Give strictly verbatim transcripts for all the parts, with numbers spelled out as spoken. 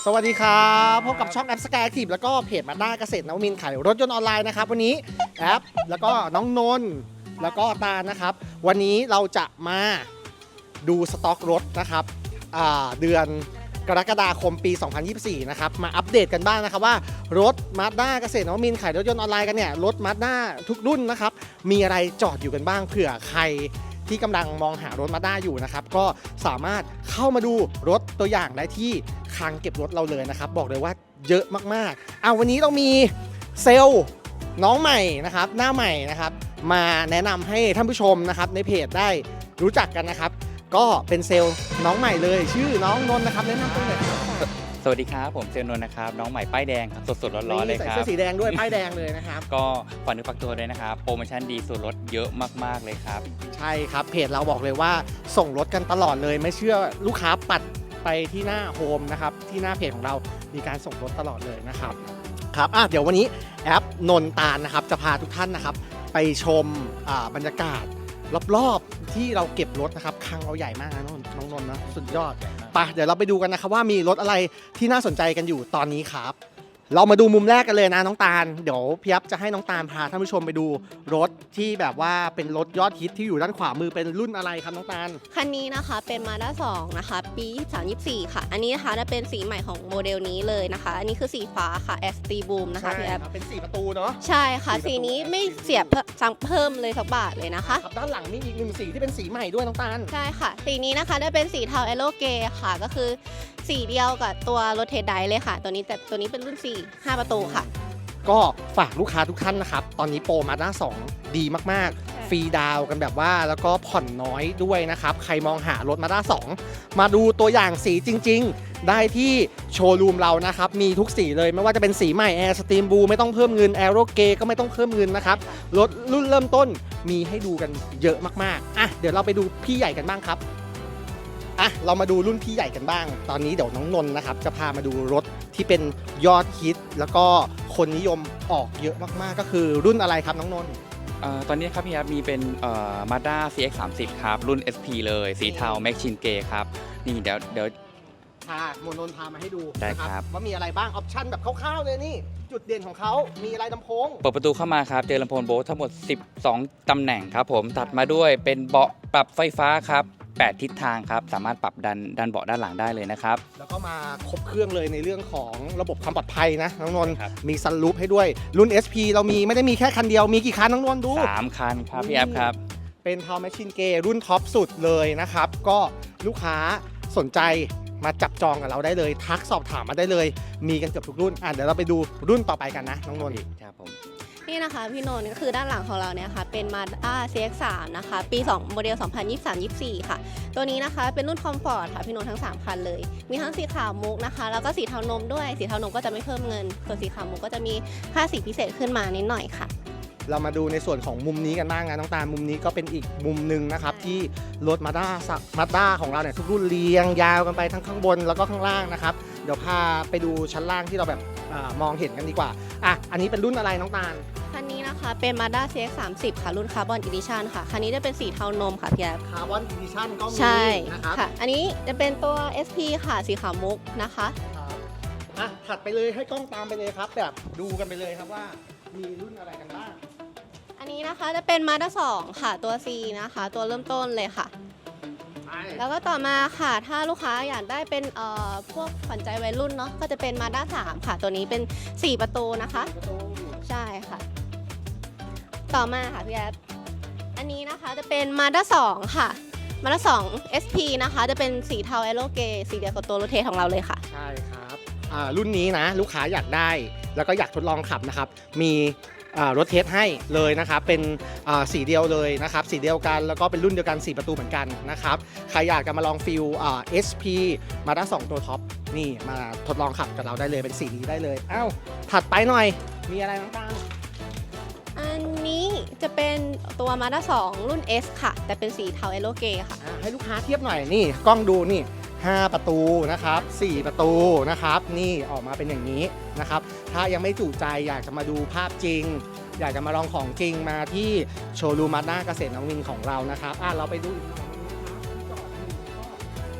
สวัสดีครับพบกับช่องแอปสกายแอคทีฟแล้วก็เพจมาด้าเกษตรนวมินทร์ขายรถยนต์ออนไลน์นะครับวันนี้แอปแล้วก็น้องนนท์แล้วก็ตาลนะครับวันนี้เราจะมาดูสต็อกรถนะครับเดือนกรกฎาคมปี สองพันยี่สิบสี่ นะครับมาอัปเดตกันบ้างนะครับว่ารถมาด้าเกษตรนวมินทร์ขายรถยนต์ออนไลน์กันเนี่ยรถมาด้าทุกรุ่นนะครับมีอะไรจอดอยู่กันบ้างเผื่อใครที่กำลังมองหารถมาด้าอยู่นะครับก็สามารถเข้ามาดูรถตัวอย่างได้ที่คลังเก็บรถเราเลยนะครับบอกเลยว่าเยอะมากๆเอาวันนี้เรามีเซลล์น้องใหม่นะครับหน้าใหม่นะครับมาแนะนำให้ท่านผู้ชมนะครับในเพจได้รู้จักกันนะครับก็เป็นเซลล์น้องใหม่เลยชื่อน้องนนท์นะครับแนะนำตัวเลยครับสวัสดีครับผมเซลล์นนท์นะครับน้องใหม่ป้ายแดงครับสดๆร้อนๆเลยครับใส่เสื้อสีแดงด้วยป้ายแดงเลยนะครับก็ฝากเนื้อฝากตัวด้วยนะครับโปรโมชั่นดีส่วนลดเยอะมากๆเลยครับใช่ครับเพจเราบอกเลยว่าส่งรถกันตลอดเลยไม่เชื่อลูกค้าปัดไปที่หน้าโฮมนะครับที่หน้าเพจของเรามีการส่งรถตลอดเลยนะครับครับอ่ะเดี๋ยววันนี้แอปนนตาลนะครับจะพาทุกท่านนะครับไปชมบรรยากาศรอบๆที่เราเก็บรถนะครับคลังเราใหญ่มากนะน้องนนท์นะสุดยอดไปเดี๋ยวเราไปดูกันนะครับว่ามีรถอะไรที่น่าสนใจกันอยู่ตอนนี้ครับเรามาดูมุมแรกกันเลยนะน้องตาลเดี๋ยวพี่ยับจะให้น้องตาลพาท่านผู้ชมไปดูรถที่แบบว่าเป็นรถยอดฮิตที่อยู่ด้านขวามือเป็นรุ่นอะไรครับน้องตาลคันนี้นะคะเป็น Mazda สองนะคะปียี่สิบสาม ยี่สิบสี่ค่ะอันนี้นะคะจะเป็นสีใหม่ของโมเดลนี้เลยนะคะอันนี้คือสีฟ้าค่ะ S T Boom นะคะพี่แอฟเป็นสีประตูเนาะใช่ค่ะสีนี้ไม่เสียบสั่งเพิ่มเลยสักบาทเลยนะคะด้านหลังมีอีกหนึ่งสีที่เป็นสีใหม่ด้วยน้องตาลใช่ค่ะสีนี้นะคะได้เป็นสีเทาเอโลเกค่ะก็คือสีเดียวกับตัวรถเทสไดเลยค่ะตัวนี้แต่ตัวนี้เป็นรุ่นสี่ ห้าประตูค่ะก็ฝากลูกค้าทุกท่านนะครับตอนนี้โปรมาด้าสองดีมากๆฟรีดาวกันแบบว่าแล้วก็ผ่อนน้อยด้วยนะครับใครมองหารถมาด้าสองมาดูตัวอย่างสีจริงๆได้ที่โชว์รูมเรานะครับมีทุกสีเลยไม่ว่าจะเป็นสีใหม่ Air Stream Blue ไม่ต้องเพิ่มเงิน Aero Grey ก็ไม่ต้องเพิ่มเงินนะครับรถรุ่นเริ่มต้นมีให้ดูกันเยอะมากๆอ่ะเดี๋ยวเราไปดูพี่ใหญ่กันบ้างครับอ่ะเรามาดูรุ่นพี่ใหญ่กันบ้างตอนนี้เดี๋ยวน้องนนท์นะครับจะพามาดูรถที่เป็นยอดฮิตแล้วก็คนนิยมออกเยอะมากๆก็คือรุ่นอะไรครับน้องนนท์ตอนนี้ครับพี่ครับมีเป็น Mazda ซี เอ็กซ์ สามสิบ ครับรุ่น เอส พี เลยสีเทา Machine Grey ครับนี่เดี๋ยวเดี๋ยวพาโมนนท์พามาให้ดูได้ครับว่ามีอะไรบ้างออปชั่นแบบคร่าวๆเลยนี่จุดเด่นของเขามีอะไรลำโพงเปิดประตูเข้ามาครับเจอลำโพงโบสทั้งหมดสิบสองตำแหน่งครับผมตัดมาด้วยเป็นเบาะปรับไฟฟ้าครับแปดทิศทางครับสามารถปรับดันดันเบาะด้านหลังได้เลยนะครับแล้วก็มาครบเครื่องเลยในเรื่องของระบบความปลอดภัยนะน้องนนท์มีซันรูฟให้ด้วยรุ่น เอส พี เรามีไม่ได้มีแค่คันเดียวมีกี่คันน้องนนท์ดูสามคันครับพี่แอฟครับเป็นทาว Machine Grey รุ่นท็อปสุดเลยนะครับก็ลูกค้าสนใจมาจับจองกับเราได้เลยทักสอบถามมาได้เลยมีกันเกือบทุกรุ่นอ่ะเดี๋ยวเราไปดูรุ่นต่อไปกันนะน้องนนท์ครับผมนี่นะคะพี่นนท์ก็คือด้านหลังของเราเนี่ยค่ะเป็น Mazda ซี เอ็กซ์ สาม นะคะปีสองโมเดล สองพันยี่สิบสาม ยี่สิบสี่ ค่ะตัวนี้นะคะเป็นรุ่นคอมฟอร์ตค่ะพี่นนท์ทั้งสามคันเลยมีทั้งสีขาวมุกนะคะแล้วก็สีเทานมด้วยสีเทานมก็จะไม่เพิ่มเงินส่วนสีขาวมุกก็จะมีค่าสีพิเศษขึ้นมานิดหน่อยค่ะเรามาดูในส่วนของมุมนี้กันบ้างนะน้องตาลมุมนี้ก็เป็นอีกมุมหนึ่งนะครับที่รถมาด้ามาด้าของเราเนี่ยทุกรุ่นเรียงยาวกันไปทั้งข้างบนแล้วก็ข้างล่างนะครับเดี๋ยวพาไปดูชั้นล่างที่เราแบบมองเห็นกันดีกว่าอ่ะอันนี้เป็นรุ่นอะไรน้องตาลคันนี้นะคะเป็น Mazda ซี เอ็กซ์ สามสิบ ค่ะรุ่น Carbon Edition ค่ะคันนี้จะเป็นสีเทานมค่ะพี่แอฟ Carbon Edition ก็มีใช่นะครับค่ะอันนี้จะเป็นตัว เอส พี ค่ะสีขาวมุกนะคะอ่ะถัดไปเลยให้กล้องตามไปเลยครับแบบดูกันไปเลยครับว่ามีรุ่นอะไรกันบ้างอันนี้นะคะจะเป็น Mazda สอง ค่ะตัว C นะคะตัวเริ่มต้นเลยค่ะแล้วก็ต่อมาค่ะถ้าลูกค้าอยากได้เป็นเอ่อพวกขวัญใจวัยรุ่นเนาะก็จะเป็น Mazda สาม ค่ะตัวนี้เป็นสี่ประตูนะคะใช่ค่ะต่อมาค่ะพี่แอฟอันนี้นะคะจะเป็น Mazda สอง ค่ะ Mazda สอง เอส พี นะคะจะเป็นสีเทาเอโลเกสีเดียวกับตัวรถเทสของเราเลยค่ะใช่ครับรุ่นนี้นะลูกค้าอยากได้แล้วก็อยากทดลองขับนะครับมีรถเทสให้เลยนะครับเป็นสีเดียวเลยนะครับสีเดียวกันแล้วก็เป็นรุ่นเดียวกันสี่ประตูเหมือนกันนะครับใครอยากจะมาลองฟิล เอส พี มาด้าสองตัวท็อปนี่มาทดลองขับกับเราได้เลยเป็นสีนี้ได้เลยอ้าวถัดไปหน่อยมีอะไรบ้างอันนี้จะเป็นตัว Mazda สอง รุ่น S ค่ะแต่เป็นสีเทาเอโลเกค่ะให้ลูกค้าเทียบหน่อยนี่กล้องดูนี่ห้าประตูนะครับสี่ประตูนะครับนี่ออกมาเป็นอย่างนี้นะครับถ้ายังไม่จุใจอยากจะมาดูภาพจริงอยากจะมาลองของจริงมาที่โชว์รูมมาด้าเกษตรนวมินทร์ของเรานะครับอ่ะเราไปดูอีกหน่อยอั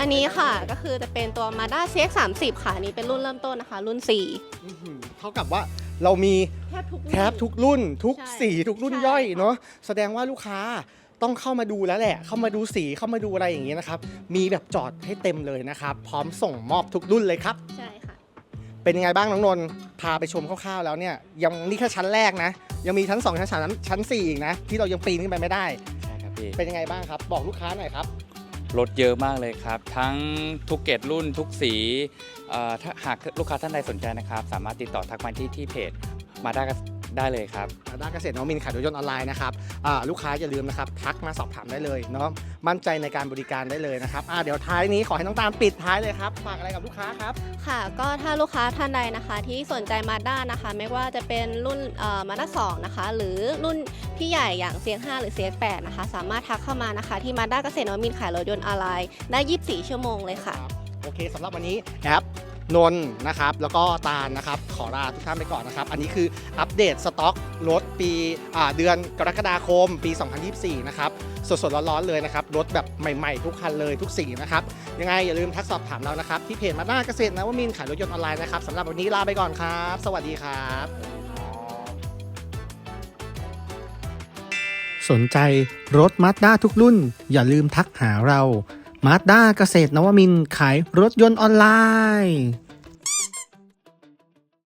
อันนี้ค่ะก็คือจะเป็นตัว Mazda ซี เอ็กซ์ สามสิบ ค่ะอันนี้เป็นรุ่นเริ่มต้นนะคะ รุ่น สี่อื้อหือเท่ากับว่าเรามีแทบทุกแทบทุกรุ่นทุกใช่สีทุกรุ่นใช่ย่อยค่ะเนาะแสดงว่าลูกค้าต้องเข้ามาดูแล้วแหละ เข้ามาดูสีเข้ามาดูอะไรอย่างนี้นะครับมีแบบจอดให้เต็มเลยนะครับพร้อมส่งมอบทุกรุ่นเลยครับใช่ค่ะเป็นยังไงบ้างน้องนนท์พาไปชมคร่าวๆแล้วเนี่ยยังนี่แค่ชั้นแรกนะยังมีชั้นสองชั้นสามชั้นสี่อีกนะที่เรายังปีนขึ้นไปไม่ได้ใช่ครับพี่เป็นยังไงบ้างครับบอกลูกค้าหน่อยครับรถเยอะมากเลยครับ ทั้งทุกเกรดรุ่นทุกสีเอ่อถ้าหากลูกค้าท่านใดสนใจนะครับ สามารถติดต่อทักมาที่ที่เพจมาได้ได้เลยครับด้านเกษตรนวมินทร์ขายรถยนต์ออนไลน์นะครับอ่าลูกค้าอย่าลืมนะครับทักมาสอบถามได้เลยเนาะมั่นใจในการบริการได้เลยนะครับอ่าเดี๋ยวท้ายนี้ขอให้น้องตาลปิดท้ายเลยครับฝากอะไรกับลูกค้าครับค่ะก็ถ้าลูกค้าท่านใดนะคะที่สนใจ Mazda นะคะไม่ว่าจะเป็นรุ่นเอ่อ Mazda สองนะคะหรือรุ่นพี่ใหญ่อย่าง ซี เอ็กซ์ ห้า หรือ ซี เอ็กซ์ แปด นะคะสามารถทักเข้ามานะคะที่ Mazda เกษตรนวมินทร์ขายรถยนต์ออนไลน์ได้ยี่สิบสี่ชั่วโมงเลยค่ะโอเคสำหรับวันนี้แอปนนท์นะครับแล้วก็ตาลนะครับขอลาทุกท่านไปก่อนนะครับอันนี้คืออัปเดตสต็อกรถปีอ่าเดือนกรกฎาคมปี สองพันยี่สิบสี่ นะครับสดๆร้อนๆเลยนะครับรถแบบใหม่ๆทุกคันเลยทุกสีนะครับยังไงอย่าลืมทักสอบถามเรานะครับที่เพจมาด้าเกษตรนวมินทร์ขายรถยนต์ออนไลน์นะครับสำหรับวันนี้ลาไปก่อนครับ สวัสดีครับ สนใจรถมาด้าทุกรุ่นอย่าลืมทักหาเรามาด้าเกษตรนวมินทร์ขายรถยนต์ออนไลน์